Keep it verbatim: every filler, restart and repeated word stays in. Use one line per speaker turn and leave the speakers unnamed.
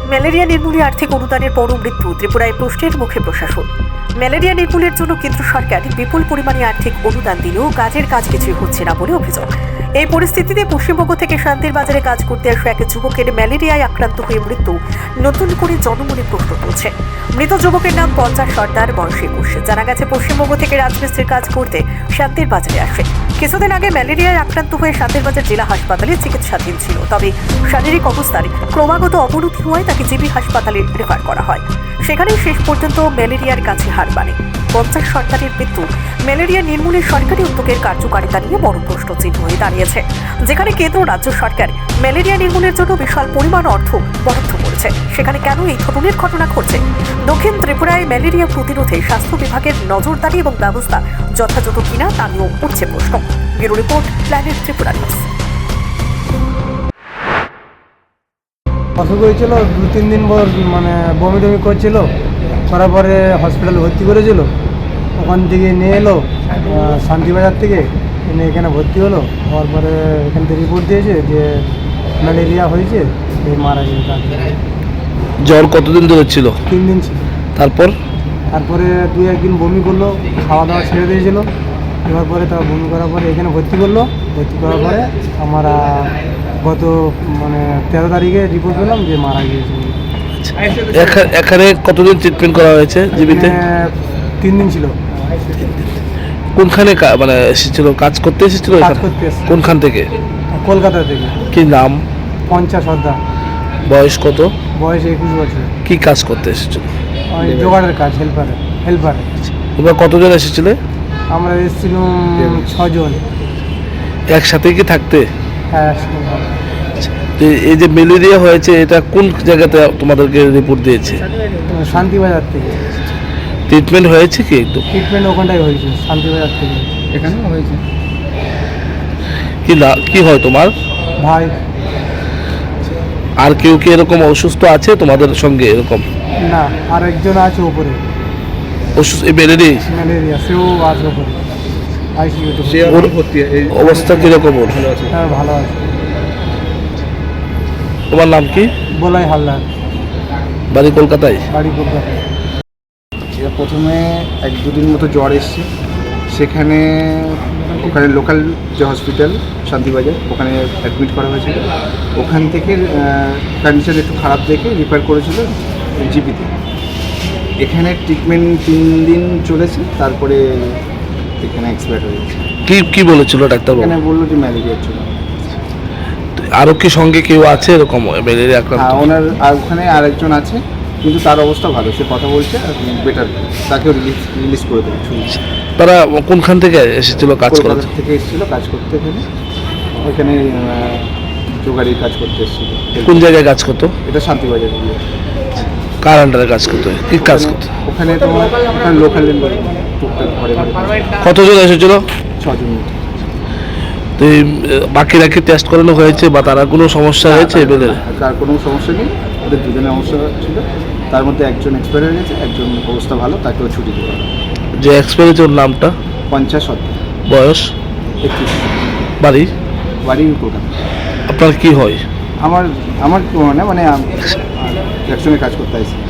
Malaria নির্মূলে আর্থিক অনুদানের পর মৃত্যু ত্রিপুরায় প্রশ্নের মুখে প্রশাসন। ম্যালেরিয়া নির্মূলের জন্য কেন্দ্র সরকার বিপুল পরিমাণে আর্থিক অনুদান দিলেও কাজের কাজ কিছুই হচ্ছে না বলে অভিযোগ। এই পরিস্থিতিতে পশ্চিমবঙ্গ থেকে শান্তির বাজারে কাজ করতে আসা এক যুবকের ম্যালেরিয়ায় আক্রান্ত হয়ে মৃত্যু নতুন করে জনমনে প্রশ্ন তুলছে। মৃত যুবকের নাম পঞ্চাশ সর্দার, বয়স একুশ। জানা গেছে পশ্চিমবঙ্গ থেকে রাজমিস্ত্রির কাজ করতে শান্তির বাজারে আসে। কিছুদিন আগে ম্যালেরিয়ায় আক্রান্ত হয়ে শান্তির বাজার জেলা হাসপাতালে চিকিৎসাধীন ছিল, তবে শারীরিক অবস্থার ক্রমাগত অবনতি হওয়ায় তাকে জিবি হাসপাতালে রেফার করা হয়। সেখানেই শেষ পর্যন্ত ম্যালেরিয়ার কাছে হার মানে। পঞ্চাশ সরকারের মৃত্যু ম্যালেরিয়া নির্মূলে সরকারি উদ্যোগের কার্যকারিতা নিয়ে বড় প্রশ্ন চিহ্ন হয়ে দাঁড়িয়েছে, যেখানে কেন্দ্র রাজ্য সরকার ম্যালেরিয়া নির্মূলের জন্য বিশাল পরিমাণ অর্থ বরাদ্দ করেছে, সেখানে কেন এই ধরনের ঘটনা ঘটছে? দক্ষিণ ত্রিপুরায় ম্যালেরিয়া প্রতিরোধে স্বাস্থ্য বিভাগের নজরদারি এবং ব্যবস্থা যথাযথ কিনা তা নিয়েও উঠছে প্রশ্ন। Bureau report, Planet Tripura News.
অসুখ হয়েছিল, দু তিন দিন পর মানে বমি টমি করছিল, করার পরে হসপিটালে ভর্তি করেছিল। ওখান থেকে নিয়ে এলো শান্তিবাজার থেকে, এনে এখানে ভর্তি হলো। হওয়ার পরে এখান থেকে রিপোর্ট দিয়েছে যে ম্যালেরিয়া হয়েছে, এই মারা গেছে।
জ্বর কতদিন ধরে ছিল?
তিন দিন ছিল।
তারপর
তারপরে দুই একদিন বমি করলো, খাওয়া দাওয়া ছেড়ে দিয়েছিল। এবার পরে তার বমি করার পরে এখানে ভর্তি করলো। ভর্তি করার পরে আমরা গত মানে তেরো তারিখে রিপোর্ট পেলাম যে মারা গিয়েছে।
এখানে কতদিন ট্রিটমেন্ট করা হয়েছে জীবিতে?
তিন দিন ছিল।
কোনখানে মানে এসেছিল? কাজ করতে এসেছিল?
কাজ করতে এসেছিল।
কোনখান থেকে?
কলকাতা থেকে।
কি নাম?
পঞ্চাশ সর্দার।
বয়স কত?
বয়স একুশ বছর।
কি কাজ করতে এসেছিল?
ওই জোগাড়ের কাজ, হেল্পারে হেল্পারে
তোমরা কতজন এসেছিলে?
আমরা এসেছিলাম ছজন।
একসাথে কি থাকতে?
হ্যাঁ।
তো এই যে ম্যালেরিয়া হয়েছে, এটা কোন জায়গাতে তোমাদেরকে রিপোর্ট দিয়েছে?
শান্তিবাজার থেকে।
ট্রিটমেন্ট হয়েছে কি? একটু
ট্রিটমেন্ট ওখানটাই হয়েছে, শান্তিবাজার থেকে। এখানেও হয়েছে।
কি না কি হয় তোমার
ভাই?
আর কেউ কি এরকম অসুস্থ আছে তোমাদের সঙ্গে? এরকম
না, আর একজন আছে উপরে
অসুস্থ এই ম্যালেরিয়া
ম্যালেরিয়া, সেও আছে উপরে আইসিইউতে।
ওর অবস্থা কিরকম? ওর
হ্যাঁ, ভালো আছে।
তোমার নাম কি?
বলাই হালদার।
বাড়ি কলকাতায়?
বাড়ি কলকাতায়।
প্রথমে এক দুদিন মতো জ্বর এসছে, সেখানে ওখানে লোকাল যে হসপিটাল শান্তিবাজার, ওখানে অ্যাডমিট করা হয়েছিল। ওখান থেকে কন্ডিশন একটু খারাপ দেখে রিফার করেছিল জিপিতে। এখানে ট্রিটমেন্ট তিন দিন চলেছে, তারপরে এখানে এক্সপায়ার হয়ে গেছে।
কি কি বলেছিল ডাক্তার?
এখানে বললো যে ম্যালেরিয়ার জন্য।
আরও কি সঙ্গে কেউ আছে এরকম ম্যালেরিয়া আক্রান্ত?
হ্যাঁ, ওনার আর ওখানে আরেকজন আছে, কিন্তু তার অবস্থা ভালো, সে কথা বলছে, বেটার, তাকেও রিলিজ রিলিজ করে দেবে।
তারা কোনখান থেকে এসেছিল কাজ করার
থেকে এসেছিল কাজ করতে, এখানে ওইখানে জোগাড়ির কাজ করতে এসেছিল।
কোন জায়গায় কাজ করতো?
এটা শান্তিবাজার।
কার আন্ডারে কাজ করতো? কি কাজ করতো?
ওখানে তোমার ওখানে লোকাল টুকটাক ঘরে ঘরে।
কতজন এসেছিল?
ছজন।
তো এই বাকিরা কি টেস্ট করানো হয়েছে বা তারা কোনো সমস্যা হয়েছে? এদের
তার কোনো সমস্যা নেই, ওদের দুজনের সমস্যা ছিল। তার মধ্যে একজন এক্সপায়ার হয়ে গেছে, একজন অবস্থা ভালো, তাকেও ছুটি দেওয়া।
যে এক্সপায়ার হয়েছে ওর নামটা?
পঞ্চাশ সত্তর।
বয়স?
একত্রিশ।
বাড়ি?
বাড়ি কলকাতা।
আপনার কি হয়?
আমার আমার মানে মানে একসঙ্গে কাজ করতে আসি।